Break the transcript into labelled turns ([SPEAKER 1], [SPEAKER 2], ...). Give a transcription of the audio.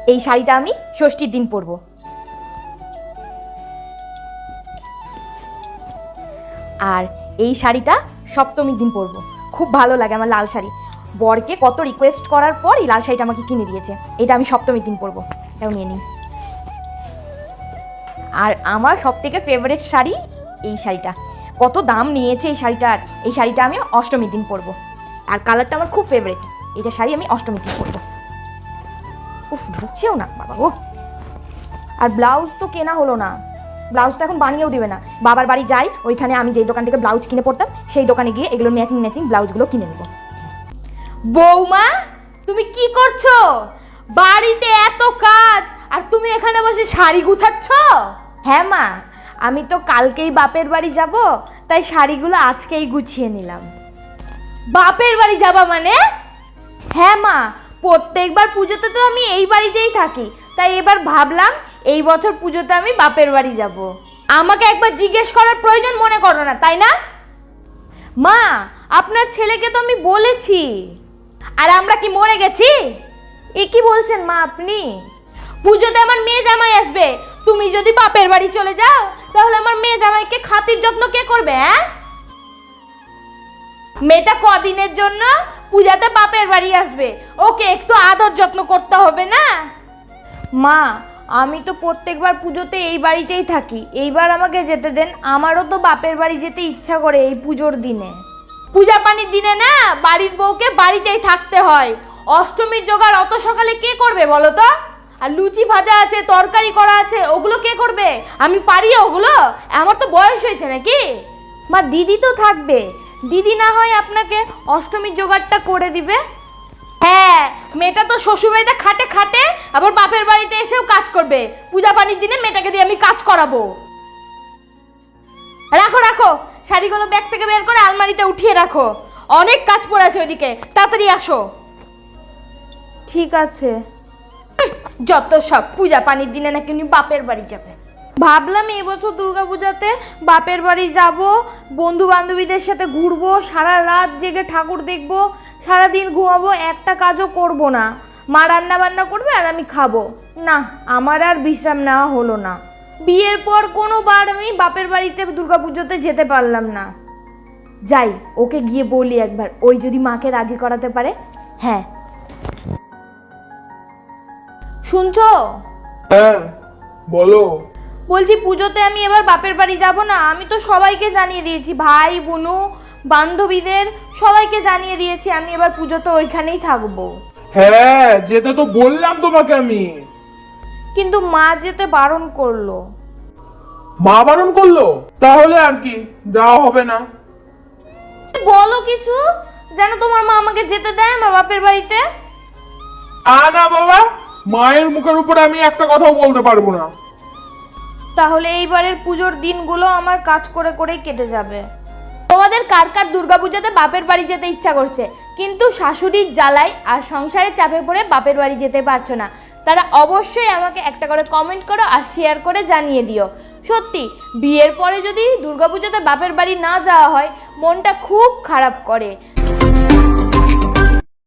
[SPEAKER 1] এই শাড়িটা আমি ষষ্ঠীর দিন পরবো। আর এই শাড়িটা সপ্তমীর দিন পরবো। খুব ভালো লাগে আমার লাল শাড়ি। বরকে কত রিকোয়েস্ট করার পর এই লাল শাড়িটা আমাকে কিনে দিয়েছে। এটা আমি সপ্তমীর দিন পরবো। এটাও নিয়ে নিই। আর আমার সব থেকে ফেভারিট শাড়ি এই শাড়িটা। কত দাম নিয়েছে এই শাড়িটার। এই শাড়িটা আমি অষ্টমীর দিন পরবো। আর কালারটা আমার খুব ফেভারিট। এটা শাড়ি আমি অষ্টমীর দিন পরবো। উফ, ঢুকছেও না বাবা। ও, আর ব্লাউজ তো কেনা হলো না। ব্লাউজ তো এখন বানিয়েও দিবে না। বাবার বাড়ি যাই, ওইখানে আমি যেই দোকান থেকে ব্লাউজ কিনে পড়তাম সেই দোকানে গিয়ে এগুলো ম্যাচিং ম্যাচিং ব্লাউজগুলো কিনে নেব। বৌমা, তুমি কি করছো? বাড়িতে এত কাজ আর তুমি এখানে বসে শাড়ি গুছাচ্ছ? হ্যাঁ মা, আমি তো কালকেই বাপের বাড়ি যাব, তাই শাড়িগুলো আজকেই গুছিয়ে নিলাম। বাপের বাড়ি যাবা মানে? হ্যাঁ মা, প্রত্যেকবার পুজোতে তো আমি এই বাড়িতেই থাকি, তাই এবার ভাবলাম এই বছর পুজোতে আমি বাপের বাড়ি যাব। আমাকে একবার জিজ্ঞেস করার প্রয়োজন মনে করো না, তাই না? মা, আপনার ছেলেকে তো আমি বলেছি। আর আমরা কি মরে গেছি? এ কি বলছেন মা আপনি? পুজোতে আমার মেয়ে জামাই আসবে, তুমি যদি বাপের বাড়ি চলে যাও তাহলে আমার মেয়ে জামাইকে খাতির যত্ন কে করবে? হ্যাঁ, মেয়েটা কদিনের জন্য পূজাতে বাপের বাড়ি আসবে, ওকে একটু আদর যত্ন করতে হবে না? মা, আমি তো প্রত্যেকবার পুজোতে এই বাড়িতেই থাকি, এইবার আমাকে যেতে দেন। আমারও তো বাপের বাড়ি যেতে ইচ্ছা করে এই পুজোর দিনে। পূজা পানির দিনে না বাড়ির বউকে বাড়িতেই থাকতে হয়। অষ্টমীর জোগাড় অত সকালে কে করবে বলো তো? আর লুচি ভাজা আছে, তরকারি করা আছে, ওগুলো কে করবে? আমি পারি ওগুলো? আমার তো বয়স হয়েছে নাকি? মা, দিদি তো থাকবে, দিদি না হয় আপনাকে অষ্টমীর জোগাড়টা করে দিবে। হ্যাঁ, মেয়েটা তো শ্বশুরবাড়িতে খাটে খাটে, আবার বাপের বাড়িতে এসেও কাজ করবে। পূজা পানির দিনে মেয়েটাকে দিয়ে আমি কাজ করাবো। রাখো রাখো, শাড়িগুলো ব্যাগ থেকে বের করে আলমারিতে উঠিয়ে রাখো। অনেক কাজ পড়ে আছে ওইদিকে, তাড়াতাড়ি আসো। ঠিক আছে। যত সব পূজা পানির দিনে নাকি উনি বাপের বাড়ি যাবে। ভাবলাম এবছর দুর্গাপূজাতে বাপের বাড়ি যাব, বন্ধু বান্ধবীদের সাথে ঘুরবো, সারা রাত জেগে ঠাকুর দেখবো, সারাদিন ঘুমাবো, একটা কাজও করব না। মা রান্না বান্না করবে আর আমি খাবো। না, আমার আর বিশ্রাম নেওয়া হলো না। বিয়ের পর কোনোবার আমি বাপের বাড়িতে দুর্গাপুজোতে যেতে পারলাম না। যাই, ওকে গিয়ে বলি একবার, ওই যদি মাকে রাজি করাতে পারে। হ্যাঁ, শুনছো?
[SPEAKER 2] হ্যাঁ বলো।
[SPEAKER 1] বলছি পুজোতে আমি এবার বাপের বাড়ি যাব না। আমি তো সবাইকে জানিয়ে দিয়েছি, ভাই বোনু বান্ধবীদের সবাইকে জানিয়ে দিয়েছি আমি এবার পুজোতে ওইখানেই থাকবো।
[SPEAKER 2] হ্যাঁ, যেতে তো বললাম তোমাকে আমি।
[SPEAKER 1] কিন্তু মা যেতে বারণ করলো।
[SPEAKER 2] মা বারণ করলো? তাহলে আর কি, যাওয়া হবে না।
[SPEAKER 1] বলো কিছু, যেন তোমার মা আমাকে যেতে দেয় আমার বাপের বাড়িতে।
[SPEAKER 2] না বাবা, মায়ের মুখের উপরে আমি একটা কথাও বলতে পারবো না।
[SPEAKER 1] তাহলে এইবারের পুজোর দিনগুলো আমার কাজ করে করেই কেটে যাবে। তোমাদের কার কার দুর্গাপূজাতে বাপের বাড়ি যেতে ইচ্ছা করছে, কিন্তু শাশুড়ির জ্বালায় আর সংসারের চাপে পড়ে বাপের বাড়ি যেতে পারছো না, তারা অবশ্যই আমাকে একটা করে কমেন্ট করো আর শেয়ার করে জানিয়ে দিও। সত্যি, বিয়ের পরে যদি দুর্গাপূজাতে বাপের বাড়ি না যাওয়া হয় মনটা খুব খারাপ করে।